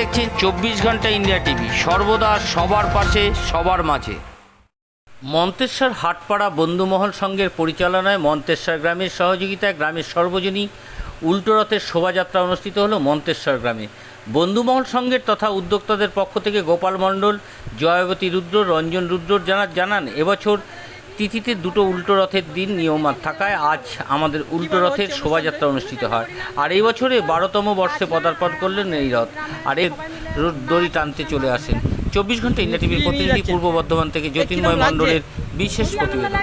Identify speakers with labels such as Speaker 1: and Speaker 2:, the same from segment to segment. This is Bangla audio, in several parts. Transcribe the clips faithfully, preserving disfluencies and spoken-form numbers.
Speaker 1: দেখছেন চব্বিশ ঘন্টা ইন্ডিয়া টিভি, সর্বদা সবার পাশে সবার মাঝে। মন্তেশ্বর হাটপাড়া বন্ধুমহল সংঘের পরিচালনায় মন্তেশ্বর গ্রামের সহযোগিতায় গ্রামের সর্বজনীন উল্টো রথের শোভাযাত্রা অনুষ্ঠিত হলো মন্তেশ্বর গ্রামে। বন্ধুমহল সংঘের তথা উদ্যোক্তাদের পক্ষ থেকে গোপাল মণ্ডল, জয়বতী রুদ্র, রঞ্জন রুদ্র জানা জানান এবছর তিথিতে দুটো উল্টো রথের দিন নিয়ম থাকায় আজ আমাদের উল্টো রথের শোভাযাত্রা অনুষ্ঠিত হয়। আর এই বছরে বারোতম বর্ষে পদার্পণ করলেন এই রথ, আর এর দড়ি টানতে চলে আসেন চব্বিশ ঘন্টা ইন্ডিয়া টিভির প্রতিনিধি পূর্ব বর্ধমান থেকে জ্যোতির্ময় মণ্ডলের বিশেষ প্রতিবেদন।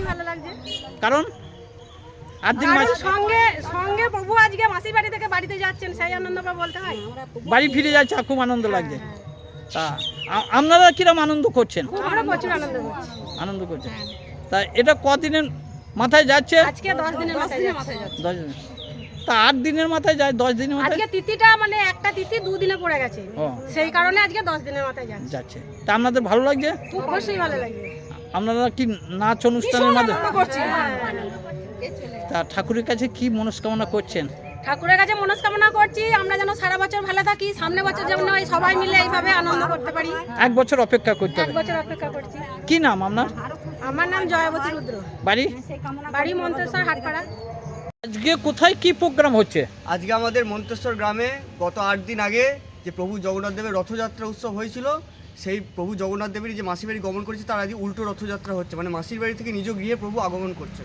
Speaker 2: কারণ আর দিন
Speaker 3: সঙ্গে সঙ্গে প্রভু আজকে মাসির বাড়ি থেকে বাড়িতে যাচ্ছেন, সেই আনন্দ বলতে হয়।
Speaker 2: বাড়ি ফিরে যাচ্ছে, খুব আনন্দ লাগছে। তা আপনারা কিরকম আনন্দ করছেন?
Speaker 3: আমরা প্রচুর আনন্দ করছি।
Speaker 2: আনন্দ করছেন। তা এটা কদিনের মাথায় যাচ্ছে?
Speaker 3: আজকে দশ দিনের মাথায় যাচ্ছে।
Speaker 2: দশ দিন। তা আট দিনের মাথায় যায়, দশ দিনের মাথায়?
Speaker 3: আজকে তিথিটা মানে একটা তিথি দুদিনে পড়ে গেছে, সেই কারণে আজকে দশ দিনের মাথায় যাচ্ছে।
Speaker 2: যাচ্ছে। তা আপনাদের ভালো লাগছে?
Speaker 3: অবশ্যই ভালো লাগছে।
Speaker 2: আপনারা কি নাচ অনুষ্ঠানের মাধ্যমে
Speaker 3: করছি?
Speaker 2: তা ঠাকুরের কাছে কি মনস্কামনা করছেন?
Speaker 3: ঠাকুরের কাছে মনস্কামনা করছি আমরা যেন সারা বছর ভালো থাকি, সামনে বছর যেন ওই সবাই মিলে এইভাবে আনন্দ করতে পারি।
Speaker 2: এক বছর অপেক্ষা করতে
Speaker 3: এক
Speaker 2: হবে।
Speaker 3: বছর অপেক্ষা করছি।
Speaker 2: কি নাম আপনার?
Speaker 3: আমার নাম জয়বতী রুদ্র,
Speaker 2: বাড়ি?
Speaker 3: বাড়ি মন্তেশ্বর হাটপাড়া।
Speaker 2: আজকে কোথায় কি প্রোগ্রাম হচ্ছে?
Speaker 4: আজকে আমাদের মন্তেশ্বর গ্রামে গত আট দিন আগে যে প্রভু জগন্নাথ দেবের রথযাত্রা উৎসব হয়েছিল, সেই প্রভু জগন্নাথ দেবের যে মাসির বাড়ি গমন করেছে তার আজকে উল্টো রথযাত্রা হচ্ছে, মানে মাসির বাড়ি থেকে নিজ গৃহে প্রভু আগমন করছেন।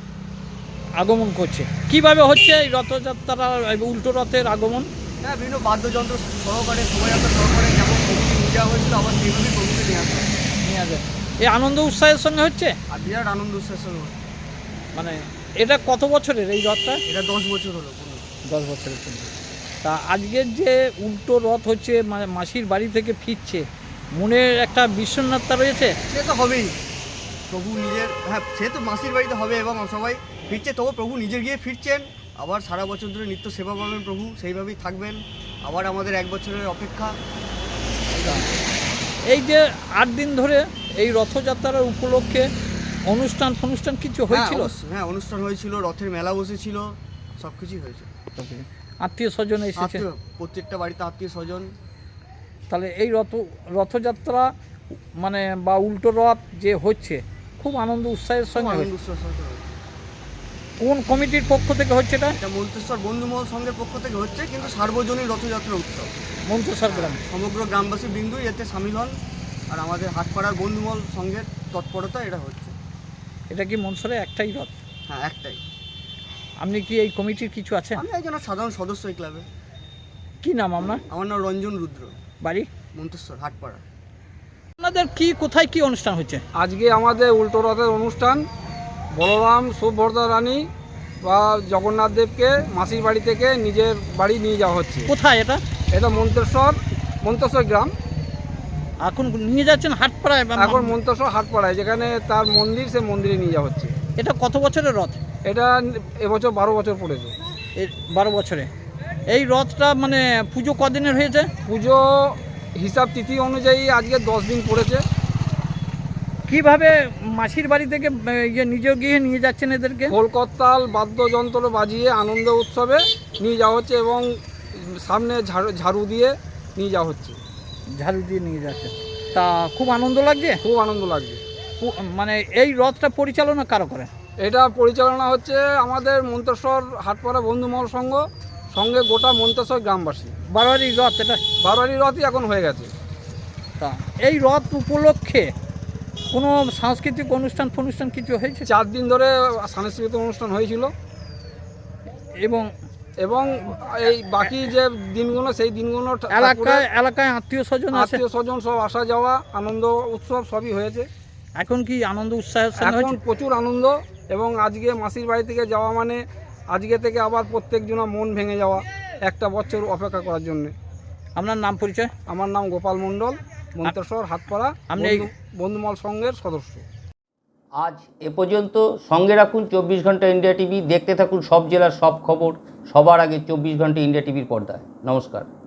Speaker 2: আগমন করছে কিভাবে হচ্ছে এই রথযাত্রা, উল্টো রথের আগমন?
Speaker 4: হ্যাঁ, বিভিন্ন বাদ্যযন্ত্র সহকারে শোভাযাত্রা সহকারে যেমন প্রভুকে নিয়ে যাওয়া হয়েছিল আবার সেইভাবেই প্রভুকে নিয়ে আসা হয়।
Speaker 2: নিয়ে আসে এই আনন্দ উৎসাহের সঙ্গে হচ্ছে,
Speaker 4: আর বিরাট আনন্দ উৎসাহের সঙ্গে হচ্ছে।
Speaker 2: মানে এটা কত বছরের এই রথটা?
Speaker 4: এটা দশ বছর হলো।
Speaker 2: দশ বছরের জন্য। তা আজকের যে উল্টো রথ হচ্ছে, মানে মাসির বাড়ি থেকে ফিরছে, মনের একটা বিষণ্ণতা রয়েছে?
Speaker 4: সে তো হবেই, প্রভু নিজের, হ্যাঁ সে তো মাসির বাড়িতে হবে এবং সবাই ফিরছে, তবু প্রভু নিজের গিয়ে ফিরছেন। আবার সারা বছর ধরে নিত্য সেবা পাবেন প্রভু, সেইভাবেই থাকবেন। আবার আমাদের এক বছরের অপেক্ষা।
Speaker 2: এই যে আট দিন ধরে এই রথযাত্রার উপলক্ষে অনুষ্ঠান ফনুষ্ঠান কিছু হয়েছিল?
Speaker 4: হ্যাঁ, অনুষ্ঠান হয়েছিল, রথের মেলা বসেছিল, সব কিছুই হয়েছে।
Speaker 2: আত্মীয় স্বজন এসেছে?
Speaker 4: প্রত্যেকটা বাড়িতে আত্মীয় স্বজন।
Speaker 2: তাহলে এই রথ রথযাত্রা মানে বা উল্টো রথ যে হচ্ছে খুব আনন্দ উৎসাহের সঙ্গে হচ্ছে। কোন কমিটির পক্ষ থেকে হচ্ছে এটা?
Speaker 4: এটা মন্তেশ্বর বন্ধুমহল সংঘের পক্ষ থেকে হচ্ছে, কিন্তু সার্বজনীন রথযাত্রা উৎসব
Speaker 2: মন্তেশ্বর গ্রামে
Speaker 4: সমগ্র গ্রামবাসী বিন্দু এতে সামিল হন। আর আমাদের হাটপাড়ার বন্ধুমহল সংঘের তৎপরতা এটা হচ্ছে।
Speaker 2: এটা কি মনসরে একটাই রথ?
Speaker 4: হ্যাঁ, একটাই।
Speaker 2: আপনি কি এই কমিটির কিছু আছেন?
Speaker 4: আমি একজন সাধারণ সদস্য এই ক্লাবে।
Speaker 2: কি নাম আপনার?
Speaker 4: আমার নাম রঞ্জন রুদ্র,
Speaker 2: বাড়ি
Speaker 4: মন্তেশ্বর হাটপাড়া।
Speaker 2: আপনাদের কি কোথায় কি অনুষ্ঠান হচ্ছে?
Speaker 5: আজকে আমাদের উল্টো রথের অনুষ্ঠান। বলরাম সুভদ্রা রানী বা জগন্নাথ দেবকে মাসির বাড়ি থেকে নিজের বাড়ি নিয়ে যাওয়া হচ্ছে।
Speaker 2: কোথায় এটা?
Speaker 5: এটা মন্তেশ্বর মন্তেশ্বর গ্রাম।
Speaker 2: এখন নিয়ে যাচ্ছেন হাটপাড়ায়?
Speaker 5: এখন মন্তেশ্বর হাটপাড়ায় যেখানে তার মন্দির, সে মন্দিরে নিয়ে যাওয়া হচ্ছে।
Speaker 2: এটা কত বছরের রথ?
Speaker 5: এটা এবছর বারো বছর পড়েছে।
Speaker 2: বারো বছরে এই রথটা মানে পুজো কদিনের হয়েছে?
Speaker 5: পুজো হিসাব তিথি অনুযায়ী আজকে দশ দিন পড়েছে।
Speaker 2: কিভাবে মাসির বাড়ি থেকে ইয়ে নিজ গিয়ে নিয়ে যাচ্ছেন এদেরকে?
Speaker 5: কলকত্তাল বাদ্যযন্ত্র বাজিয়ে আনন্দ উৎসবে নিয়ে যাওয়া হচ্ছে এবং সামনে ঝাড়ু ঝাড়ু দিয়ে নিয়ে যাওয়া হচ্ছে।
Speaker 2: ঝাড়ু দিয়ে নিয়ে যাচ্ছে। তা খুব আনন্দ লাগছে?
Speaker 5: খুব আনন্দ লাগছে।
Speaker 2: মানে এই রথটা পরিচালনা কারো করে?
Speaker 5: এটা পরিচালনা হচ্ছে আমাদের মন্তেশ্বর হাটপাড়া বন্ধুমহল সংঘ, সঙ্গে গোটা মন্তেশ্বর গ্রামবাসী।
Speaker 2: বারোয়ারি রথ এটা?
Speaker 5: বারোয়ারি রথই এখন হয়ে গেছে।
Speaker 2: তা এই রথ উপলক্ষে কোনো সাংস্কৃতিক অনুষ্ঠান ফনুষ্ঠান কিছু হয়েছে?
Speaker 5: চার দিন ধরে সাংস্কৃতিক অনুষ্ঠান হয়েছিল
Speaker 2: এবং
Speaker 5: এবং এই বাকি যে দিনগুলো, সেই দিনগুলো
Speaker 2: এলাকায় এলাকায় আত্মীয় স্বজন
Speaker 5: আত্মীয় স্বজন সব আসা যাওয়া, আনন্দ উৎসব সবই হয়েছে।
Speaker 2: এখন কি আনন্দ উৎসাহের সঙ্গে
Speaker 5: এখন প্রচুর আনন্দ। এবং আজকে মাসির বাড়ি থেকে যাওয়া মানে আজকে থেকে আবার প্রত্যেকজনা মন ভেঙে যাওয়া, একটা বছর অপেক্ষা করার জন্যে।
Speaker 2: আপনার নাম পরিচয়?
Speaker 5: আমার নাম গোপাল মণ্ডল, মন্তেশ্বর হাটপাড়া
Speaker 2: আপনি
Speaker 5: বন্ধুমহল সংঘের সদস্য।
Speaker 1: আজ এ পর্যন্ত। সঙ্গে রাখুন চব্বিশ ঘন্টা ইন্ডিয়া টিভি, দেখতে থাকুন সব জেলার সব খবর সবার আগে চব্বিশ ঘন্টা ইন্ডিয়া টিভির পর্দায়। নমস্কার।